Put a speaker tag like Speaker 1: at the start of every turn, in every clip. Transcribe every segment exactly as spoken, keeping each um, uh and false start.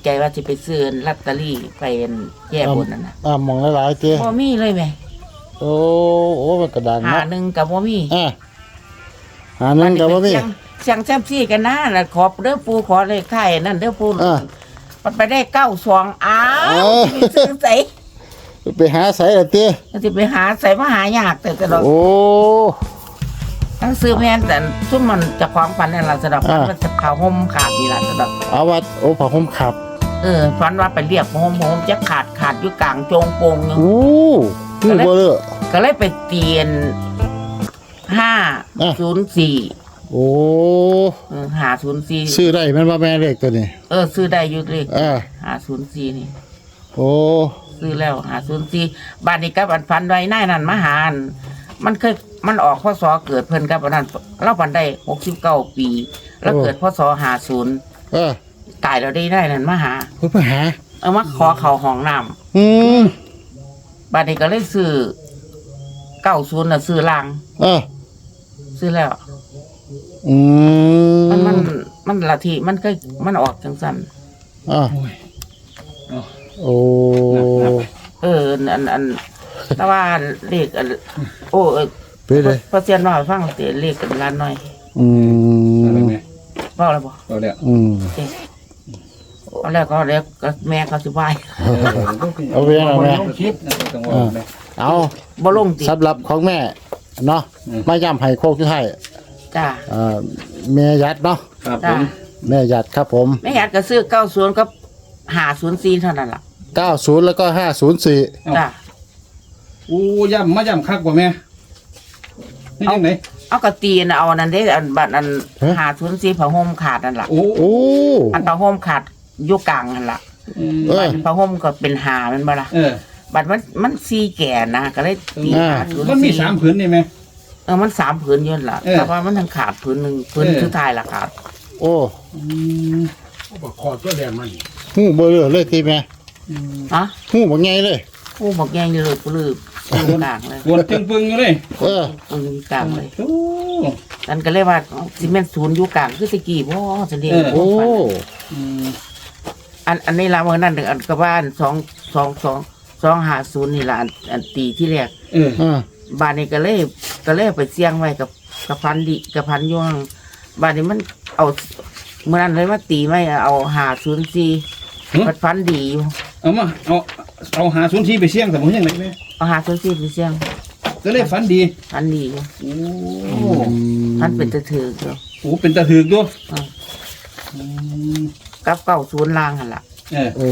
Speaker 1: ใจว่าจะไปซื้อลอตเตอรี่ไปแก้บนนั่นนะ
Speaker 2: อ่ามองหลายๆเจ้
Speaker 1: บ่มีเลยแม่
Speaker 2: โอ้โอ้มันกระดัง
Speaker 1: หา
Speaker 2: เนาะ
Speaker 1: หนึ่งกับบ่มี
Speaker 2: อ่าหานั่นกับว่ามี
Speaker 1: เสียงเสียงแซมซี่กันนะแล้วขอเด้อปูขอเลขไทายนั่นเด้อปู
Speaker 2: อ่า
Speaker 1: มันไปได้เก้าสองอ้า
Speaker 2: เอ
Speaker 1: ว
Speaker 2: อ
Speaker 1: สิไปซื้อใส่
Speaker 2: ไปหาใส่ละเจ้
Speaker 1: สิไปหาใส่มาหายากแต่ตลอด
Speaker 2: โอ้
Speaker 1: ทั้งซื้อแม่นแต่ซุ่มมันจะความฝันนั่นล่ะสะดอก
Speaker 2: อ่า
Speaker 1: มันจะเผาห่มขาดนี่ล่ะสะดอก
Speaker 2: เอาวัดโอ้ผ้าห่มขับ
Speaker 1: เออฝันว่าไปเรียกห่มห่มจะขาดขาดอยู่กลางโจงโปงอยู่
Speaker 2: โอ้หูบ่เลอะ
Speaker 1: ก็เลยไปเตียนห้า
Speaker 2: อ่ะ
Speaker 1: ศูนย์สี่
Speaker 2: โอ้
Speaker 1: หาศูนย์สี่
Speaker 2: ซื้อได้แมันว่าแม่เลขตัวนี้
Speaker 1: เออซื้อได้อยู่เลข
Speaker 2: อ่า
Speaker 1: หาศูนย์สี่นี่
Speaker 2: โอ้
Speaker 1: ซื้อแล้วหาศูนย์สี่บ้านนี้กับอันฟันไว้นายนั่นมาหาอันมันเคยมันออกพศเกิดเพิ่นกับอันนั้นเราปันได้หกสิบเก้าปี แล้วเกิดพศหาศูนย์
Speaker 2: เออ
Speaker 1: ตายแล้วได้ได้นั่นมาหา
Speaker 2: เพิ่นไปหา
Speaker 1: เอามาขอเขาห้องน้
Speaker 2: อืม
Speaker 1: ำบ้านนี้ก็เลยซื้อเก้าศูนย์น่ะซื้อลาง
Speaker 2: เออ
Speaker 1: ซื้อแล้ว
Speaker 2: อืม
Speaker 1: มันมันมันละทีมันก็มันออกจังสัน
Speaker 2: อ่าโอ้
Speaker 1: เอออันอันแต่ว่าเลขอันโอ้เออ
Speaker 2: ไปเลย
Speaker 1: พอเซียนว่าให้ฟังเตเลขกันล้านหน่อย
Speaker 2: อื
Speaker 3: อะไร
Speaker 2: ม
Speaker 3: ไหม
Speaker 1: ว่าอะไรบ่
Speaker 3: เราเนี่ย
Speaker 2: อืม
Speaker 1: เอ๊ะเอาแล้วก็แล้วก็แม่เขาสิบาย
Speaker 2: เอาเวียนเอาแม่
Speaker 3: คิดนะต้องว่าไหม
Speaker 2: เอา
Speaker 1: บ่ลงติ
Speaker 2: สำหรับของแม่เนาะ
Speaker 3: อืม
Speaker 2: มาย้ำให้โคกที่ให้
Speaker 1: จ้า
Speaker 2: อ่าแม่ยัดเนาะ
Speaker 3: ครับผ
Speaker 1: จ้าม
Speaker 2: แม่ยัดครับผม
Speaker 1: แม่อยากก็ซื้อเก้าศูนย์กับหาศูนย์สี่เท่านั้นล่ะ
Speaker 2: เก้าศูนย์แล้วก็ห้าศูนย์สี่
Speaker 1: จ้า
Speaker 3: อู้ย่ำมาย่ำคักกว่าแม่นี่ยังไง
Speaker 1: เอากระตีนเอาอันนั้นได้อันบัตรอันหาศูนย์สี่ผ้าห่มขาดนั่นล่ะ
Speaker 3: โอ้
Speaker 2: โอ้
Speaker 1: อันผ้าห่มขาดอยู่กลางนั่นล่ะ
Speaker 2: เออ
Speaker 1: บัตรผ้าห่มก็เป็นหามันบ่ล่ะ
Speaker 3: เออ
Speaker 1: บัตรมันมันสี่แก่นะก็เลยตี
Speaker 2: อ่า
Speaker 1: หาศูนย์
Speaker 3: มันมี
Speaker 1: สี่
Speaker 3: สามผืนนี่ไหม
Speaker 1: เออมันสามผืนอยืนนล่ะ
Speaker 3: เออ
Speaker 1: แต่ว่ามันทั้งขาดผืนหนึ่งผืน
Speaker 3: เออ
Speaker 1: สุดท้ายล่ะขาด
Speaker 2: โอ้
Speaker 3: อืม
Speaker 4: ขอตัวแดงมัน
Speaker 2: หูเบลอเลยตีแม่
Speaker 1: ฮะ
Speaker 2: หูบ่ไงเลย
Speaker 1: ผู้บอกแย่งอยู่เลยผู้ลืมอยู่กลางเลย
Speaker 3: วนจึงปึงอยู่เลย
Speaker 2: เออ
Speaker 1: ปึงอยู่กลางเลย
Speaker 3: โอ้
Speaker 1: นั่นก็เลยว่าซีเมนต์ศูนย์อยู่กลางคือสกีบ่จะเรียก
Speaker 3: เออ
Speaker 2: โอ้
Speaker 3: อืม
Speaker 1: อันอันนี้ละเมื่อนั้นอันก็บ้านสองสองสองสองหาศูนย์นี่ละอันอันตีที่แรก
Speaker 3: เออ
Speaker 2: อ่า
Speaker 1: บ้านนี้ก็เลยก็เลยไปเสี่ยงไว้กับกับพันดิกับพันย่วงบ้านนี้มันเอาเมื่อนั้นเลยมาตีไม่เอาหาศูนย์สี่พันพันดีอยู่
Speaker 3: เอามาเอาเอาหาศูนย์ที่ไปเสี่ยงสมมติยังไงแม่
Speaker 1: เอาหาศูนย์สี่ไปเสี่ยง
Speaker 3: ก็เลยฝันดี
Speaker 1: พันดีอยู่
Speaker 3: โอ้
Speaker 1: พันเป็นตะถืออยู่
Speaker 3: โหเป็นตาถือกด้วย
Speaker 1: อ่า
Speaker 3: อืม
Speaker 1: กับเก้าศูนย์ล่างหันละ
Speaker 3: เออ
Speaker 2: โอ้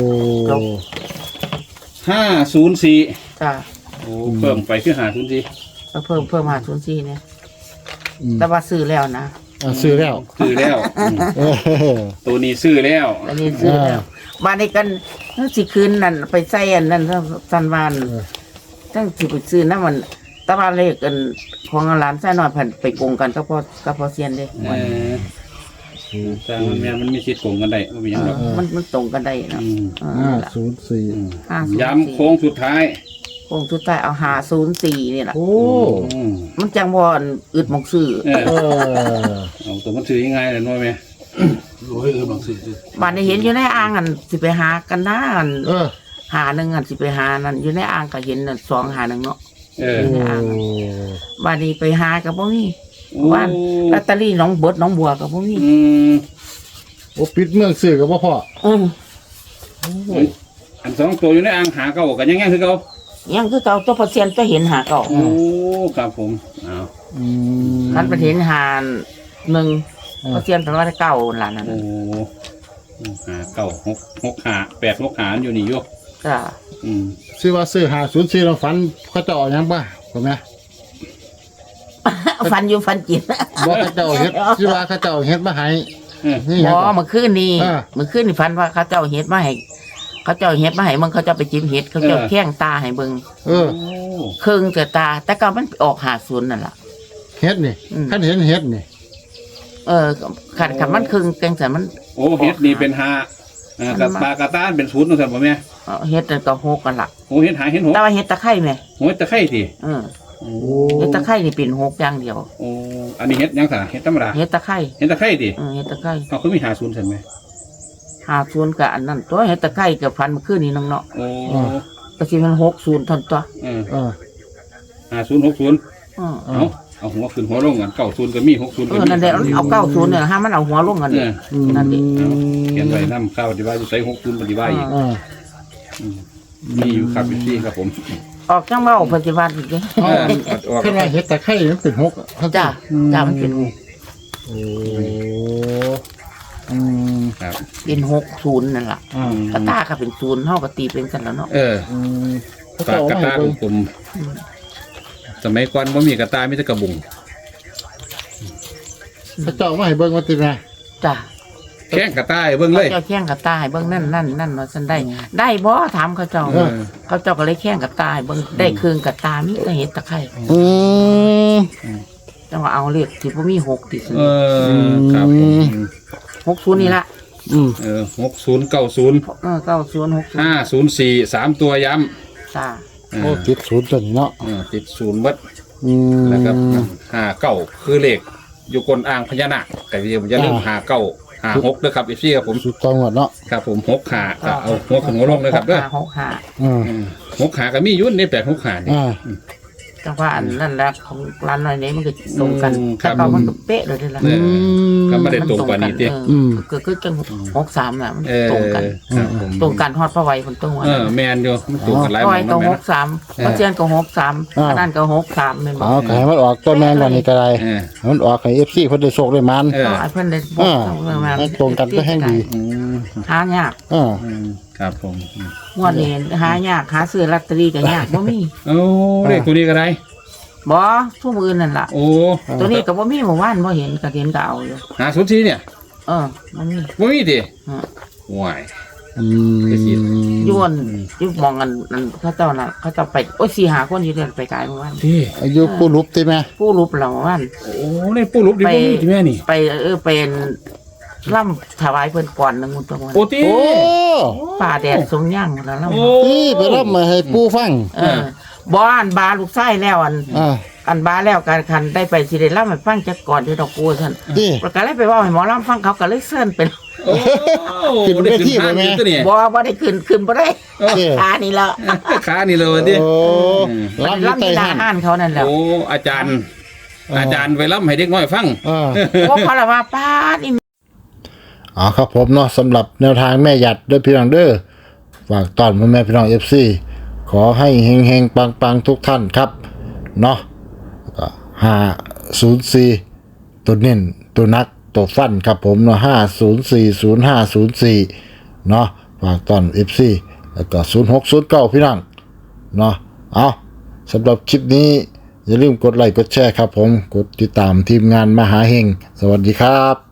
Speaker 3: ห้าศูนย์สี่
Speaker 1: จ้า
Speaker 3: โอ้เพิ่มไปคือหาศูนย์สี่
Speaker 1: ก็เพิ่มเพิ่มหาศูนย์สี่เนี่ย
Speaker 2: อืม
Speaker 1: แต่ว่าซื้อแล้วนะ
Speaker 2: อ่ะซื้อแล้ว
Speaker 3: ซื้อแล้วอืม
Speaker 2: เออ
Speaker 3: ตัวนี้ซื้อแล้ว
Speaker 1: อันนี้ซื้อแล้วบ้านนี้กันทั้งสิคืนนั่นไปใส่อันนั้นสันวานทั้งสิไปซื้อนั่นมันแตะวันเลขกันของร้านไส้น้อยผ่นไปโกงกันก็พอก็พอเซียนเด้
Speaker 3: เออแต่มันแม่มันมีสิทธิ์โกงกันได้ไม่มีหยังหรอก
Speaker 1: มันมันตรงกันได้เนาะ
Speaker 3: อืม
Speaker 1: เออ
Speaker 2: ห้า
Speaker 1: นั่นล่ะ
Speaker 2: ศูนย์สี่
Speaker 3: อืม
Speaker 1: ห้าศูนย์สี่
Speaker 3: ย้ำโค้งสุดท้าย
Speaker 1: โค้งสุดท้ายเอาหาศูนย์สี่นี่แหละ
Speaker 2: โอ้
Speaker 3: อืม
Speaker 1: มันจังบอนอึดหมองซื้อ
Speaker 3: เออ
Speaker 2: เออ
Speaker 3: เอาตัวมันซื้อยังไงล่ะน้อยแม่
Speaker 4: รู้ให้เออบางสิ่งสิ
Speaker 1: บ้านนี้เห็นอยู่ในอ่างอันสิไปหากันนะอัน
Speaker 2: เออ
Speaker 1: หาหนึ่งอันสิไปหานั่นอยู่ในอ่างก็เห็นนั่นสองหาหนึ่งเนาะ
Speaker 3: เออ
Speaker 2: โอ้
Speaker 1: บ้านนี้ไปหากับบ่มี
Speaker 3: โอ้
Speaker 1: บ้านลอตเตอรี่หน้องเบิดหน้องบัวกับบ่มี
Speaker 3: อืม
Speaker 2: โอ้ปิดเมืองซื้อกับพ่อพ่อ
Speaker 1: อืม
Speaker 3: อันสองตัวอยู่ในอ่างหาเก่ากันยังไงคือเก่า
Speaker 1: ยังคือเก่าตัวเปอร์เซ็นต์จะเห็นหาเก่า
Speaker 3: โอ้ครับผมเอา
Speaker 2: อืม
Speaker 1: คันไปเห็นหาหนึ่งเปอร์เซ็นต์แปลว่าเก่าหลานนั่น
Speaker 3: โอ้หาเก่าหกหกหาแปดหกหาอยู่นี่อยู่
Speaker 1: จ้า
Speaker 3: อืม
Speaker 2: ซื้อว่าซื้อห้าศูนย์สี่เราฝันเขาเจะออกยังบ้าถูกไหม
Speaker 1: ฟันอยู่ฟันจิต
Speaker 2: บอกเขาเจ้าเฮ็ดซื้อว่าเขาเจ้าเฮ็ดมาให้
Speaker 3: เออ
Speaker 2: นี่
Speaker 1: บ
Speaker 2: ยัง
Speaker 1: อ
Speaker 2: ก่อน
Speaker 1: เมื่อคืนนี้
Speaker 2: อ่า
Speaker 1: เมื่อคืนนี่ฟันว่าเขาเจ้าเฮ็ดมาให้เขาเจ้าเฮ็ดมาให้มึงเขาเจ้าไปจิ้มเฮ็ดเขาเจ้าแข้งตาให้เบิ่ง
Speaker 2: เออ
Speaker 3: โอ้
Speaker 1: เครื่องแต่ตา แต่ก็มันออกหาศูนย์นั่นล่ะ
Speaker 2: เฮ็ดนี่
Speaker 1: อืม
Speaker 2: ขันเห็นเฮ็ดนี่
Speaker 1: เออขัดขัดมันเครื่องแกงสันมัน
Speaker 3: โอ้เฮ็ดนี่เป็นหาเอ่อกับปลากระต้านเป็นศูนย์นั่นสิบ่แม่
Speaker 1: เอ่อเฮ็ดนั่นก็หกกันล่ะ
Speaker 3: โอ้เฮ็ดหาเฮ็ดหก
Speaker 1: แต่ว่าเฮ็ดตะไคร้แม่
Speaker 3: โอ้ยตะไคร้สิ
Speaker 1: เออ
Speaker 3: โอ้
Speaker 1: เฮ็ดตะไคร้นี่เป็นหกอย่างเดียว
Speaker 3: โอ้อันนี้เฮ็ดยังสะเฮ็ดธรรมดา
Speaker 1: เฮ็ดตะไคร้
Speaker 3: เฮ็ดตะไคร้สิ
Speaker 1: เออเฮ็ดตะไคร้
Speaker 3: เอาคือมีหาศูนย์ใช่ไหม
Speaker 1: หาศูนย์กับอันนั้นตัวเฮ็ดตะไคร้กับฟันเมื่อคืนนี้น้องเนาะ
Speaker 3: โอ้
Speaker 1: ก็สิมันหกศูนย์ทันตัว
Speaker 3: เออ
Speaker 2: เออ
Speaker 3: ห้าศูนย์หกศูนย์
Speaker 1: อือ
Speaker 3: เอาเอาหัวขึ้นหัวลงกันเก้าศูนย์ก็มีหกศูนย์
Speaker 1: เอ
Speaker 3: ก็
Speaker 1: อ
Speaker 3: มี
Speaker 1: นั่นแหละเอาเก้าศูนย์เนี่ยห้ามมันเอาหัวลงกัน
Speaker 3: เออ
Speaker 1: นั่นดิ
Speaker 3: เอาเขียนไว้นำข้าวปฏิบัติอยู่ใส่หกศูนย์ปฏิบัติอีก
Speaker 2: เออ
Speaker 3: มีอยู่ครับพี่ครับผม
Speaker 1: ออกจังเว้าปฏิบัติอีกเด้
Speaker 3: เออออก
Speaker 2: ขึ้นมาเฮ็ดตะไคร้มันเป็นหกเขา
Speaker 1: จ้าจ้ามันเป็น
Speaker 2: โอ้อืม
Speaker 3: ครับ
Speaker 1: เป็นหกศูนย์นั่นล่ะ
Speaker 2: อ่าก
Speaker 1: ระตาก็เป็นศูนย์เฮาก็ตีเป็นกันแล้วเนาะ
Speaker 3: เออ
Speaker 2: อืมเขา
Speaker 3: ปาก
Speaker 2: เจ้าก
Speaker 3: ระ
Speaker 2: มา
Speaker 3: ตา
Speaker 2: ให้
Speaker 3: ข
Speaker 2: เบิ่
Speaker 3: อง งผมสมัยก่อนบ่มีกระตามีแต่กระบุง
Speaker 2: เขาเจ้ามาให้เบิ่งว่าติแม่
Speaker 1: จ้า
Speaker 3: แข้งกระตาให้เบิ่งเลย
Speaker 1: เจ้าแข้งกับตาให้เบิ่งนั่นนั่นนั่นว่าซั่นได้ ได้บ่ถามเขาเจ้า
Speaker 3: เออ
Speaker 1: เขาเจ้าก็เลยแข้งกับตาให้เบิ่งได้เครื่องกับตามีแต่เห็ดตะไคร้
Speaker 2: อืม
Speaker 1: จังว่าเอาเลขที่บ่มีหกติซั่น
Speaker 3: เออครับผม
Speaker 1: หกศูนย์นี่ล่ะ
Speaker 2: อืม
Speaker 3: เออหกศูนย์เก้าศูนย์
Speaker 1: เออเก้าศูนย์หกศูน
Speaker 3: ห้า
Speaker 1: ย์
Speaker 3: ศูนย์สี่สามตัวย้
Speaker 1: จ้า
Speaker 3: ำเอ
Speaker 2: โอ้
Speaker 3: อ
Speaker 2: ติดศูนย์ตัวนี้เนาะ
Speaker 3: เออติดศูนย์เบัด
Speaker 2: อืม
Speaker 3: แล้วก็ห้าเก้าคือเลขอยู่กลอ่างพญานาคแต่ที่ผมจะเริ่าลืมห้าเก้าห้าหกด้วยครับอีซี่ครับผม
Speaker 2: สุดตองหมดเนาะ
Speaker 3: ครับผมหกขาก็เอาหัวขึ้นหัวลงเลยครับเด้อ
Speaker 1: หกห้า
Speaker 2: อืม
Speaker 3: อืมหกขาก็มีอยุ่นในแปดหกขานี่
Speaker 2: อ่า
Speaker 1: จังว่าอันนั่นแหละของร้านน้อยนี้มันก็ตรงกัน
Speaker 3: อืมครั
Speaker 1: ถ้า
Speaker 3: บ
Speaker 1: เก่ามันก็เป๊ะเลยเด้อล่ะ
Speaker 3: เออก็ไม่ได้ตรงกว่านี้ติ
Speaker 1: เออ
Speaker 2: อืม
Speaker 1: ก็คือจังหกสามน่ะมัน
Speaker 3: เออ
Speaker 1: ตรงกัน
Speaker 3: ครับผม
Speaker 1: ตรงกันฮอดพระไว้คนตรงวัน
Speaker 3: เออแมนอยู่มันตรงกันหลาย
Speaker 1: พระ
Speaker 3: หม
Speaker 1: ไว้
Speaker 3: อง
Speaker 1: ก็
Speaker 3: นั่นแม่
Speaker 1: ห
Speaker 3: นะ
Speaker 1: กสามพระเจียนก็หกสาม
Speaker 2: อ่า
Speaker 1: อันนั้นก็หกสามแม่นบ่
Speaker 2: เอาก็ให้มันออกตัวแม่นวันนี้ก็ได้
Speaker 3: เออ
Speaker 2: มันออกให้ เอฟ ซี เพิ่นได้โชคได้มัน
Speaker 3: เออ
Speaker 1: ก็ไอ้เพิ่นได้บ
Speaker 2: อ่า
Speaker 1: อกเรื่องมา
Speaker 2: ให้ตรงกันก็แห้งดี
Speaker 3: อืม
Speaker 1: หายาก
Speaker 2: อ่า
Speaker 3: อืมครับผมอืม
Speaker 1: งวดนี้หายากหาซื้อลอตเตอรี่ก็ยากบ่มี
Speaker 3: โอ้เลขตัวนี้ก็ได้
Speaker 1: บ่ทุกมื้อนั่นล่ะ
Speaker 3: โอ้
Speaker 1: ตัวนี้ก็บ่มีเมื่อวานบ่เห็นก็เห็นก็เอาอยู่
Speaker 3: หาสุดทีเนี่ย
Speaker 1: เออมันมี
Speaker 3: บ่มีดิ
Speaker 1: ฮะ
Speaker 3: ว้าย
Speaker 2: อืม
Speaker 1: ยวนอยู่มองกันนั่นเขาเจ้าน่ะเขาเจ้าไปโอ้ยสี่หาคนอยู่เดือนไปกายเมื่อวาน
Speaker 3: ที่
Speaker 2: อายุผู้รูปติแม่
Speaker 1: ผู้รูปเราเมื่อวาน
Speaker 3: โอ้ในปูรูปดิบ่มีที่แม่นี่
Speaker 1: ไปเออเป็นล่ำถวายเพิ่นก่อนหนึงมื้อตะวัน
Speaker 3: โอ้ที่
Speaker 2: โอ้
Speaker 1: ป่าแดดสงย่างแล้วล่ำ
Speaker 3: โอ้
Speaker 2: ที่ไปรับมาให้ปู่ฟัง
Speaker 1: เออบ่อันบาลูกไส้แล้วอัน
Speaker 2: อ่า
Speaker 1: อันบาแล้วการคันได้ไปสิได้ล่ำให้ฟังจักก่อนที่ดอกกูซั่น
Speaker 2: ที่
Speaker 1: ประกาศเลยไปเว่าให้หมอล่ำฟังเขาก็เลยเซิ้นเป็น
Speaker 3: โอ้
Speaker 2: ขึ้นเวที
Speaker 3: ได้
Speaker 2: บ่แม่
Speaker 3: ขึ้นทางอยู่ตัวเนี่ย
Speaker 1: บ่บ่ได้ขึ้นขึ้นบ่ได้
Speaker 2: เออ
Speaker 1: ขานี่ละ
Speaker 3: ขานี่เลยดิ
Speaker 2: โอ้รับ
Speaker 1: ล่ำ
Speaker 2: ใต้
Speaker 1: ที่หน้า
Speaker 2: หัน
Speaker 1: ห้านเขานั่นแหละ
Speaker 3: โอ้อาจารย์ อาจารย์ไปรับให้เด็กน้อยฟัง
Speaker 2: อ่า
Speaker 1: โอ้เขาละว่าป้าดนี่
Speaker 2: อ๋อครับผมเนาะสำหรับแนวทางแม่หยัดเด้อพี่น้องเด้อฝากตอนพ่อแม่พี่น้อง เอฟ ซี ขอให้เฮงๆปังๆทุกท่านครับเนาะก็ห้าศูนย์สี่ตัวเน้นตัวนักตัวฟันครับผมเนาะห้าศูนย์สี่ศูนย์ห้าศูนย์สี่เนาะฝากตอน เอฟ ซี แล้วก็ศูนย์หกศูนย์เก้าพี่น้องเนาะเอาสำหรับคลิปนี้อย่าลืมกดไลค์กดแชร์ครับผมกดติดตามทีมงานมหาเฮงสวัสดีครับ